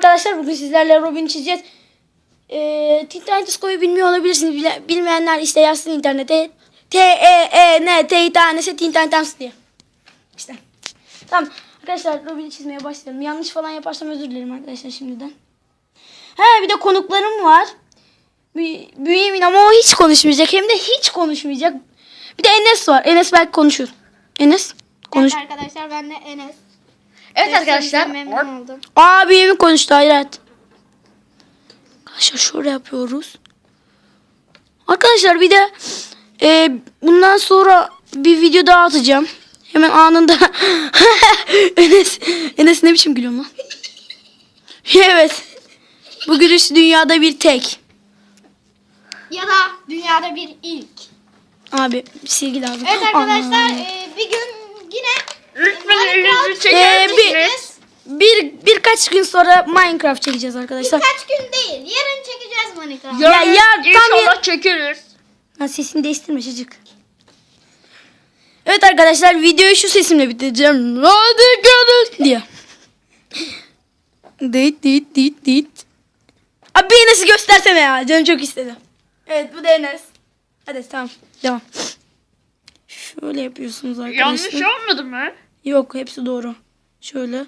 arkadaşlar, bugün sizlerle Robin çizeceğiz. Teen Titans Go'yu bilmiyor olabilirsiniz. Bilmeyenler işte yazsın internete. T-E-E-N-T tanesi Teen Titans diye. İşte. Tamam arkadaşlar, Robin'i çizmeye başlayalım. Yanlış falan yaparsam özür dilerim arkadaşlar şimdiden. Bir de konuklarım var. Bünyamin, ama o hiç konuşmayacak. Hem de hiç konuşmayacak. Bir de Enes var. Enes belki konuşur. Enes konuş. Evet arkadaşlar, ben de Enes. Evet arkadaşlar. Memnun oldum. Bünyamin konuştu. Hayret. Arkadaşlar şöyle yapıyoruz. Arkadaşlar bir de bundan sonra bir video daha atacağım. Hemen anında. Enes ne biçim gülüyor lan? Evet. Bu gülüş dünyada bir tek. Ya da dünyada bir ilk. Abi silgi lazım. Evet arkadaşlar, bir gün yine birkaç gün sonra Minecraft çekeceğiz arkadaşlar. birkaç gün değil, yarın çekeceğiz Minecraft. Ya İnşallah çekeriz. Sesini değiştirme çocuk. Evet arkadaşlar, videoyu şu sesimle bitireceğim. Hadi görün diye. Dit. Abi Enes'i göstersene ya. Canım çok istedi. Evet, bu da Enes. Hadi tamam. Devam. Şöyle yapıyorsunuz arkadaşlar. Yanlış olmadı mı? Yok, hepsi doğru. Şöyle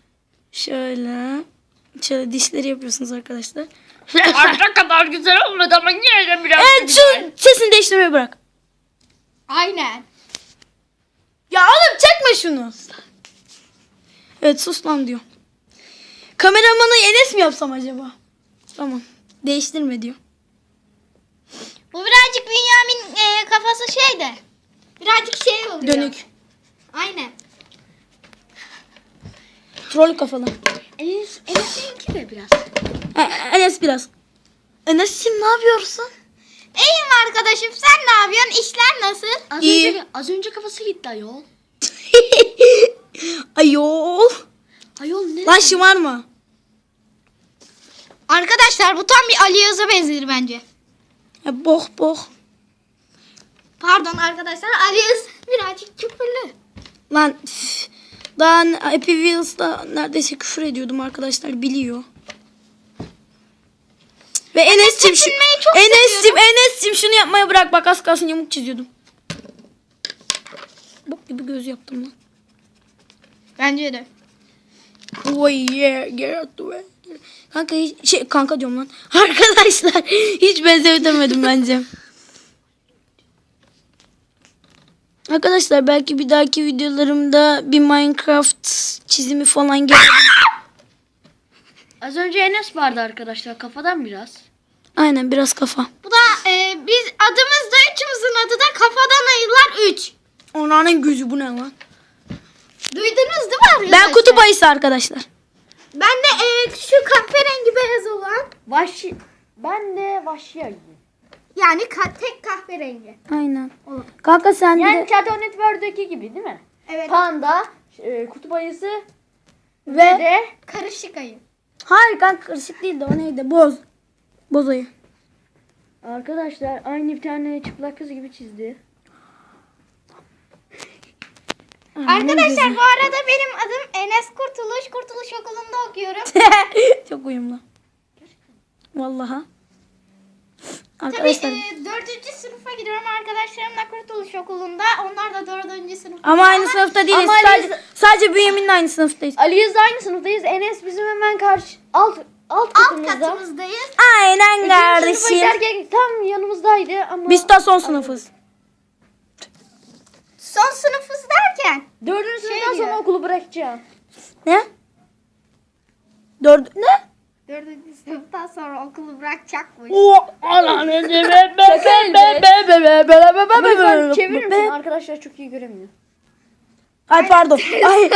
dişleri yapıyorsunuz arkadaşlar. Arka kadar güzel olmadı ama yine de biraz Evet, şu sesini değiştirmeyi bırak. Aynen. Ya oğlum çekme şunu. Evet, sus lan diyor. Kameramanı Enes mi yapsam acaba? Tamam. Değiştirme diyor. Bu birazcık Bünyamin kafası şeyde. Birazcık şey oluyor. Dönük. Aynen. Troll kafalı. Enes'inki de biraz. Enes biraz. Enes'cim ne yapıyorsun? İyiyim arkadaşım, sen ne yapıyorsun? İşler nasıl? İyi. Az önce kafası gitti ayol. Ayol. Ayol ne? Lan şımarma. Arkadaşlar bu tam bir Ali Yaz'a benzer bence. Boh. Pardon arkadaşlar, Ali Yaz birazcık küfürlü. Lan daha Happy Wheels'da neredeyse küfür ediyordum arkadaşlar, biliyor. Ve Enes'cim tepinmeyi çok seviyorum. Enes'cim şunu yapmaya bırak, bak az kalsın yamuk çiziyordum. Bok gibi göz yaptım lan. Bence de. Oh yeah, get out the way. Kanka diyorum lan. Arkadaşlar hiç benzetemedim bence. Arkadaşlar belki bir dahaki videolarımda bir Minecraft çizimi falan gelir. Az önce Enes vardı arkadaşlar, kafadan biraz. Aynen, biraz kafa. Bu da biz adımızda üçümüzün adı da Kafadan Ayılar 3. Onların gözü, bu ne lan? Duydunuz değil mi arkadaşlar? Ben kutup ayısı arkadaşlar. Ben de şu kahverengi beyaz olan. Ben de vahşi ayı. Yani tek kahverengi. Aynen. Kanka sen Yani de Cartoon Network'deki gibi değil mi? Evet. Panda, kutup ayısı ve de Karışık ayı. hayır kanka, karışık değil de o neydi? Boz ayı. arkadaşlar aynı bir tane çıplak kız gibi çizdi. Arkadaşlar bu arada benim adım Enes Kurtuluş. Kurtuluş Okulu'nda okuyorum. Çok uyumlu. Vallahi. Tabii Arkadaşlar. 4. sınıfa gidiyorum. Arkadaşlarım da Kurtuluş Okulunda. Onlar da 4. sınıf. Ama aynı sınıfta değiliz. Ama Sadece Bünyamin'le aynı sınıftayız. Ali Yaz'la aynı sınıftayız. Enes bizim hemen alt Alt katımızda. katımızdayız. Aynen Sınıfa kardeşim. giderken tam yanımızdaydı ama Biz de son sınıfız. Son sınıfız derken. 4. sınıftan diyor. sonra okulu bırakacağım. Ne? Ne? 4. sınıftan sonra okulu bırakacakmış. Lütfen çevirir misin? Arkadaşlar çok iyi göremiyor. Ay pardon. Ay.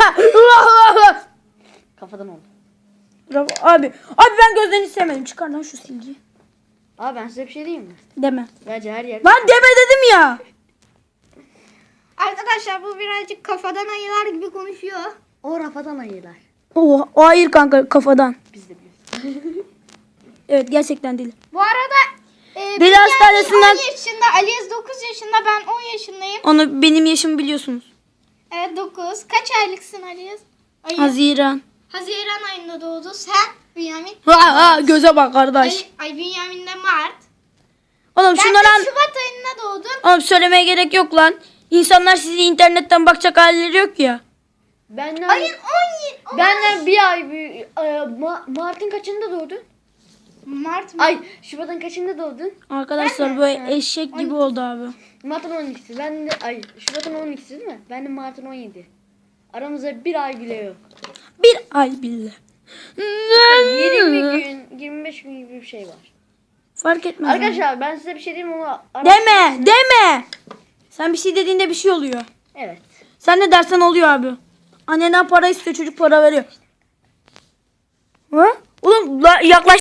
Kafadan oldu. Bravo. Abi ben gözlerini sevmedim. Çıkar lan şu silgiyi. Abi ben size bir şey diyeyim mi? Deme. Bence her yer. Lan deme dedim ya. Arkadaşlar bu birazcık kafadan ayılar gibi konuşuyor. O rafadan ayılar. O hayır kanka, kafadan. Biz de biliyoruz. Evet, gerçekten değil. Bu arada Deli Bünyamin hastanesinden- 10 yaşında, Aliz 9 yaşında, ben 10 yaşındayım. Onu benim yaşımı biliyorsunuz. Evet 9. Kaç aylıksın Aliz? Haziran. Haziran ayında doğdu. Sen Bünyamin. Ha, göze bak kardeş. Ay Bünyamin de Mart. Oğlum Ben şunları de Şubat ayında doğdum. Oğlum söylemeye gerek yok lan. İnsanlar sizi internetten bakacak halleri yok ya. Benden, Ayın 17. benden bir ay büyük. Mart'ın kaçında doğdun? Mart mı? Ay Şubat'ın kaçında doğdun? Arkadaşlar böyle eşek gibi oldu abi. Mart'ın 12'si. Ben de Şubat'ın 12'si değil mi? Ben de Mart'ın 17. Aramızda bir ay bile yok. Bir ay bile. 20 gün, 25 gün gibi bir şey var. Fark etmez. abi. Arkadaşlar ben size bir şey diyeyim ama Deme. Sen bir şey dediğinde bir şey oluyor. Evet. Sen ne dersen oluyor abi. Anneden para istiyor, çocuk para veriyor. Ha? Oğlum yaklaş.